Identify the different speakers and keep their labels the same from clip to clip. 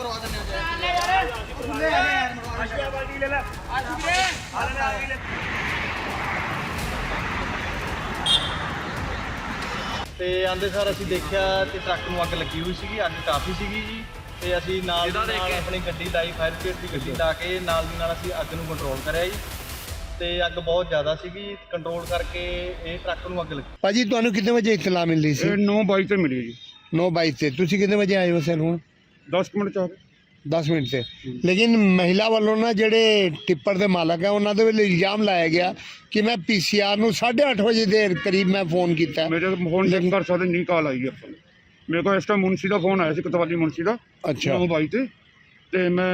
Speaker 1: ਤੇ ਆਂਦੇ ਸਾਰ ਅਸੀਂ ਦੇਖਿਆ ਤੇ ਟਰੱਕ ਨੂੰ ਅੱਗ ਲੱਗੀ ਹੋਈ ਸੀਗੀ, ਅੱਗ ਕਾਫੀ ਸੀਗੀ ਜੀ। ਤੇ ਅਸੀਂ ਨਾਲ ਦੀ ਨਾਲ ਆਪਣੀ ਗੱਡੀ ਲਾਈ, ਫਾਇਰ ਬ੍ਰਿਗੇਡ ਦੀ ਗੱਡੀ ਲਾ ਕੇ ਨਾਲ ਦੀ ਨਾਲ ਅਸੀਂ ਅੱਗ ਨੂੰ ਕੰਟਰੋਲ ਕਰਿਆ ਜੀ। ਤੇ ਅੱਗ ਬਹੁਤ ਜ਼ਿਆਦਾ ਸੀਗੀ, ਕੰਟਰੋਲ ਕਰਕੇ ਇਹ ਟਰੱਕ ਨੂੰ ਅੱਗ ਲੱਗੀ।
Speaker 2: ਭਾਜੀ ਤੁਹਾਨੂੰ ਕਿੰਨੇ ਵਜੇ ਇਤਲਾ ਮਿਲੀ ਸੀ?
Speaker 3: 9:22 ਤੇ ਮਿਲੀ ਜੀ।
Speaker 2: 9:22 ਤੇ ਤੁਸੀਂ ਕਿੰਨੇ ਵਜੇ ਆਏ ਹੋ ਸਰ? ਹੁਣ
Speaker 3: 10 ਮਿੰਟ ਚ ਆ ਗਏ।
Speaker 2: 10 ਮਿੰਟ ਤੇ। ਲੇਕਿਨ ਮਹਿਲਾ ਵੱਲੋਂ ਨਾ ਜਿਹੜੇ ਟਿੱਪਰ ਦੇ ਮਾਲਕ ਹੈ ਉਹਨਾਂ ਦੇ ਵੱਲੋਂ ਇਲਜ਼ਾਮ ਲਾਇਆ ਗਿਆ ਕਿ ਮੈਂ PCR ਨੂੰ 8:30 ਵਜੇ ਦੇ ਕਰੀਬ ਮੈਂ ਫੋਨ ਕੀਤਾ।
Speaker 3: ਮੇਰੇ ਫੋਨ ਚੈੱਕ ਕਰ ਸਕਦੇ, ਨਹੀਂ ਕਾਲ ਆਈ ਹੈ ਆਪਾਂ ਨੂੰ। ਮੇਰੇ ਕੋਲ ਇਸ ਟਾਈਮ ਮੁਨਸੀ ਦਾ ਫੋਨ ਆਇਆ ਸੀ, ਕਤਵਾਲੀ ਮੁਨਸੀ ਦਾ।
Speaker 2: ਅੱਛਾ।
Speaker 3: 9:22 ਤੇ ਮੈਂ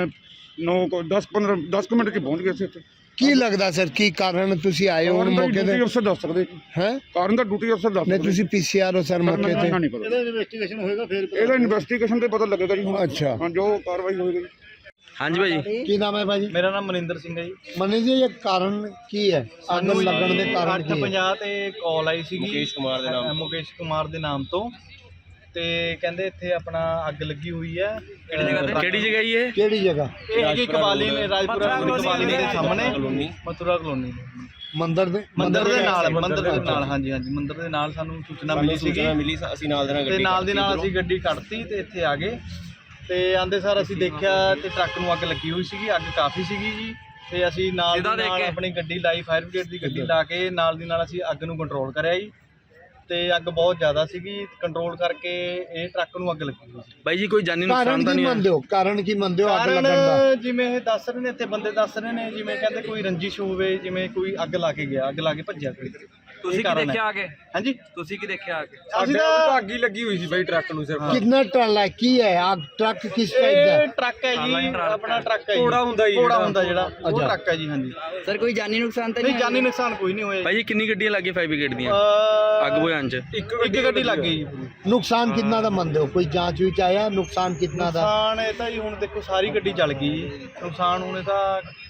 Speaker 3: 10 ਮਿੰਟ ਚ ਪਹੁੰਚ ਗਿਆ ਸੀ ਇੱਥੇ।
Speaker 2: ਕੀ ਲੱਗਦਾ ਸਰ ਕੀ ਕਾਰਨ ਤੁਸੀਂ ਆਏ ਹੋ ਹੁਣ ਮੌਕੇ ਤੇ?
Speaker 3: ਡਿਊਟੀ ਅਫਸਰ ਦੱਸ ਸਕਦੇ
Speaker 2: ਹੈ
Speaker 3: ਕਾਰਨ ਦਾ, ਡਿਊਟੀ ਅਫਸਰ ਦੱਸ
Speaker 2: ਨਹੀਂ
Speaker 3: ਸਕਦੇ।
Speaker 2: ਤੁਸੀਂ PCR ਹੋ ਸਰ ਮੌਕੇ ਤੇ?
Speaker 3: ਨਹੀਂ ਪਤਾ। ਇਹਦਾ ਇਨਵੈਸਟੀਗੇਸ਼ਨ ਹੋਏਗਾ ਫਿਰ ਇਹਦਾ ਇਨਵੈਸਟੀਗੇਸ਼ਨ ਤੇ ਪਤਾ ਲੱਗੇਗਾ ਜੀ ਹੁਣ।
Speaker 2: ਅੱਛਾ।
Speaker 3: ਹਾਂ, ਜੋ ਕਾਰਵਾਈ ਹੋਏਗੀ।
Speaker 4: ਹਾਂਜੀ ਭਾਜੀ,
Speaker 2: ਕੀ ਨਾਮ ਹੈ ਭਾਜੀ?
Speaker 1: ਮੇਰਾ ਨਾਮ ਮਨਿੰਦਰ ਸਿੰਘ ਹੈ ਜੀ।
Speaker 2: ਮਨੀਸ਼ ਜੀ ਇਹ ਕਾਰਨ ਕੀ ਹੈ ਅੱਗ ਲੱਗਣ ਦੇ ਕਾਰਨ?
Speaker 1: 8:50 ਤੇ ਕਾਲ ਆਈ ਸੀਗੀ
Speaker 4: ਮੁਕੇਸ਼ ਕੁਮਾਰ ਦੇ ਨਾਮ ਤੋਂ।
Speaker 1: ਮੁਕੇਸ਼ ਕੁਮਾਰ ਦੇ ਨਾਮ ਤੋਂ। ਤੇ ਕਹਿੰਦੇ ਇੱਥੇ ਆਪਣਾ ਅੱਗ ਲੱਗੀ ਹੋਈ ਹੈ।
Speaker 4: ਕਿਹੜੀ ਜਗ੍ਹਾ ਜੀ ਇਹ?
Speaker 2: ਕਿਹੜੀ ਜਗ੍ਹਾ?
Speaker 1: ਇਹ ਹੈਗੀ ਕਬਾਲੀ ਨੇ, ਰਾਜਪੁਰਾ ਕਬਾਲੀ ਦੇ ਸਾਹਮਣੇ, ਮਥੁਰਾ ਕਲੋਨੀ
Speaker 2: ਮੰਦਰ ਦੇ
Speaker 1: ਮੰਦਰ ਦੇ ਨਾਲ ਹਾਂਜੀ ਹਾਂਜੀ, ਮੰਦਰ ਦੇ ਨਾਲ ਸਾਨੂੰ ਸੂਚਨਾ ਮਿਲੀ ਸੀਗੀ।
Speaker 4: ਅਸੀਂ ਨਾਲ ਦੇ ਨਾਲ
Speaker 1: ਤੇ ਨਾਲ ਦੀ ਨਾਲ ਅਸੀਂ ਗੱਡੀ ਕੱਢਤੀ ਤੇ ਇੱਥੇ ਆ ਗਏ। ਤੇ ਆਂਦੇ ਸਾਰ ਅਸੀਂ ਦੇਖਿਆ ਤੇ ਟਰੱਕ ਨੂੰ ਅੱਗ ਲੱਗੀ ਹੋਈ ਸੀਗੀ, ਅੱਗ ਕਾਫੀ ਸੀਗੀ ਜੀ। ਤੇ ਅਸੀਂ ਨਾਲ ਦੀ ਨਾਲ ਆਪਣੀ ਗੱਡੀ ਲਾਈ, ਫਾਇਰ ਬ੍ਰਿਗੇਡ ਦੀ ਗੱਡੀ ਲਾ ਕੇ ਨਾਲ ਦੀ ਨਾਲ ਅਸੀਂ ਅੱਗ ਨੂੰ ਕੰਟਰੋਲ ਕਰਿਆ ਜੀ। ਤੇ ਅੱਗ ਬਹੁਤ ਜ਼ਿਆਦਾ ਸੀਗੀ, ਕੰਟਰੋਲ ਕਰਕੇ ਇਹ ਟਰੱਕ ਨੂੰ ਅੱਗ ਲੱਗੀ ਹੋਈ ਸੀ।
Speaker 4: ਬਾਈ ਜੀ ਕੋਈ ਜਾਨੀ
Speaker 2: ਕਾਰਨ
Speaker 4: ਨੁਕਸਾਨ ਤਾਂ
Speaker 2: ਕੀ
Speaker 4: ਨਹੀਂ
Speaker 2: ਮੰਨਦੇ ਹੋ? ਕਾਰਨ ਕੀ ਮੰਨਦੇ ਹੋ ਅੱਗ ਲੱਗਣ ਦਾ?
Speaker 1: ਕਾਰਨ ਜਿਵੇਂ ਇਹ ਦੱਸ ਰਹੇ ਨੇ, ਇੱਥੇ ਬੰਦੇ ਦੱਸ ਰਹੇ ਨੇ, ਜਿਵੇਂ ਕਹਿੰਦੇ ਕੋਈ ਰੰਜਿਸ਼ ਹੋਵੇ, ਜਿਵੇਂ ਕੋਈ ਅੱਗ ਲਾ ਕੇ ਗਿਆ, ਅੱਗ ਲਾ ਕੇ ਭੱਜਿਆ ਕੋਈ।
Speaker 4: ਤੁਸੀਂ ਕੀ ਦੇਖਿਆ ਆ ਕੇ?
Speaker 1: ਹਾਂਜੀ,
Speaker 4: ਤੁਸੀਂ ਕੀ ਦੇਖਿਆ ਆ ਕੇ?
Speaker 1: ਅਸੀਂ ਤਾਂ
Speaker 4: ਅੱਗ ਹੀ ਲੱਗੀ ਹੋਈ ਸੀ ਬਾਈ ਟਰੱਕ ਨੂੰ ਸਿਰਫ।
Speaker 2: ਕਿੰਨਾ ਟਰਾਲਾ ਹੈ? ਕੀ ਹੈ ਆਗ? ਟਰੱਕ ਕਿਸ ਟਾਈਪ ਦਾ ਹੈ?
Speaker 1: ਇਹ ਟਰੱਕ ਹੈ ਜੀ, ਆਪਣਾ ਟਰੱਕ ਹੈ ਜੀ।
Speaker 4: ਘੋੜਾ ਹੁੰਦਾ ਜੀ,
Speaker 1: ਘੋੜਾ ਹੁੰਦਾ ਜਿਹੜਾ, ਉਹ
Speaker 2: ਅੱਛਾ।
Speaker 1: ਟਰੱਕ ਹੈ ਜੀ। ਹਾਂਜੀ
Speaker 5: ਸਰ ਕੋਈ ਜਾਨੀ ਨੁਕਸਾਨ ਤਾਂ
Speaker 1: ਨਹੀਂ, ਜਾਨੀ ਨੁਕਸਾਨ ਕੋਈ ਨਹੀਂ ਹੋਇਆ
Speaker 4: ਬਾਈ ਜੀ ਕਿੰਨੀ ਗੱਡੀਆਂ ਲੱਗੀਆਂ ਫਾਇਰ ਬ੍ਰਿਗੇਡ ਦੀਆਂ ਅੱਗ ਬੁਝਾਉਣ ਚ?
Speaker 1: ਇੱਕ ਗੱਡੀ ਲੱਗ ਗਈ ਜੀ ਪੂਰੀ।
Speaker 2: ਨੁਕਸਾਨ ਕਿੰਨਾ ਦਾ ਮੰਨਦੇ ਹੋ? ਕੋਈ ਜਾਂਚ ਵਿੱਚ ਆਇਆ ਨੁਕਸਾਨ ਕਿੰਨਾ ਦਾ?
Speaker 1: ਨੁਕਸਾਨ ਇਹ ਤਾਂ ਜੀ ਹੁਣ ਦੇਖੋ ਸਾਰੀ ਗੱਡੀ ਜਲ ਗਈ ਜੀ। ਨੁਕਸਾਨ ਹੁਣ ਇਹ ਤਾਂ